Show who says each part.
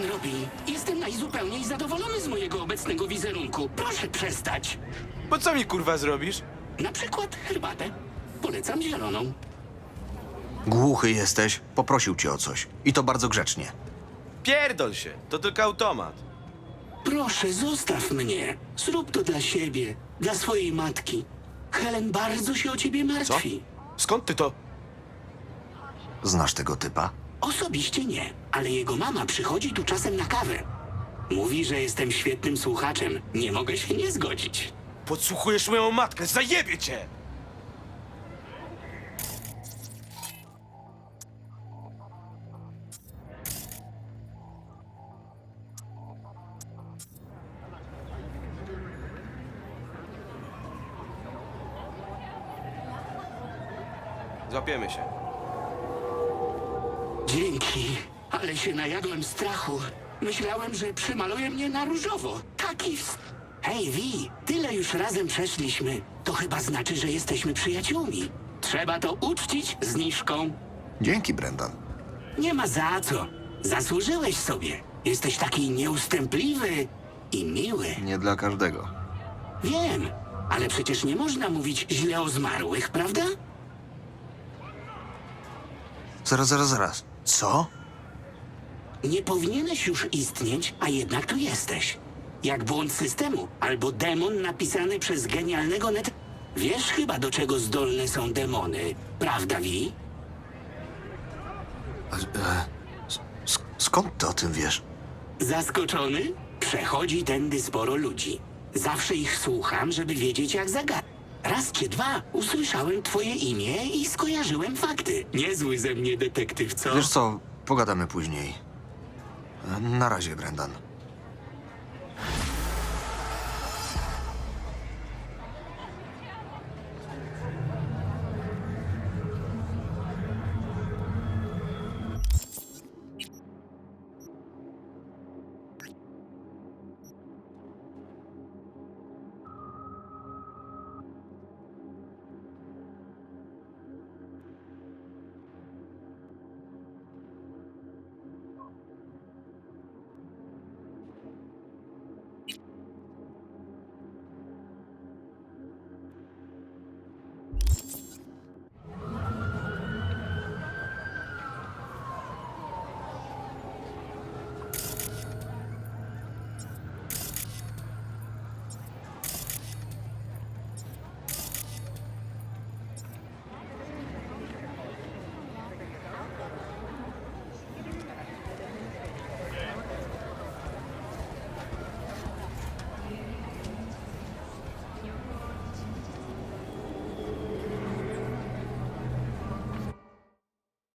Speaker 1: pan robi? Jestem najzupełniej zadowolony z mojego obecnego wizerunku. Proszę przestać.
Speaker 2: Bo co mi kurwa zrobisz?
Speaker 1: Na przykład herbatę. Polecam zieloną.
Speaker 3: Głuchy jesteś, poprosił cię o coś. I to bardzo grzecznie.
Speaker 2: Pierdol się, to tylko automat.
Speaker 1: Proszę, zostaw mnie. Zrób to dla siebie, dla swojej matki. Helen bardzo się o ciebie
Speaker 2: Co?
Speaker 1: martwi.
Speaker 2: Skąd ty to?
Speaker 3: Znasz tego typa?
Speaker 1: Osobiście nie, ale jego mama przychodzi tu czasem na kawę. Mówi, że jestem świetnym słuchaczem. Nie mogę się nie zgodzić.
Speaker 2: Podsłuchujesz moją matkę, zajebie cię! Złapiemy się.
Speaker 1: Dzięki, ale się najadłem strachu. Myślałem, że przymaluje mnie na różowo. Hej, Vi, tyle już razem przeszliśmy. To chyba znaczy, że jesteśmy przyjaciółmi. Trzeba to uczcić zniżką.
Speaker 3: Dzięki, Brendan.
Speaker 1: Nie ma za co. Zasłużyłeś sobie. Jesteś taki nieustępliwy i miły.
Speaker 3: Nie dla każdego.
Speaker 1: Wiem, ale przecież nie można mówić źle o zmarłych, prawda?
Speaker 3: Zaraz. Co?
Speaker 1: Nie powinieneś już istnieć, a jednak tu jesteś. Jak błąd systemu, albo demon napisany przez genialnego net... Wiesz chyba, do czego zdolne są demony, prawda, Vi?
Speaker 3: Skąd ty o tym wiesz?
Speaker 1: Zaskoczony? Przechodzi tędy sporo ludzi. Zawsze ich słucham, żeby wiedzieć, jak zagadać. Raz czy dwa usłyszałem twoje imię i skojarzyłem fakty. Niezły ze mnie detektyw, co?
Speaker 3: Wiesz co, pogadamy później. Na razie, Brendan.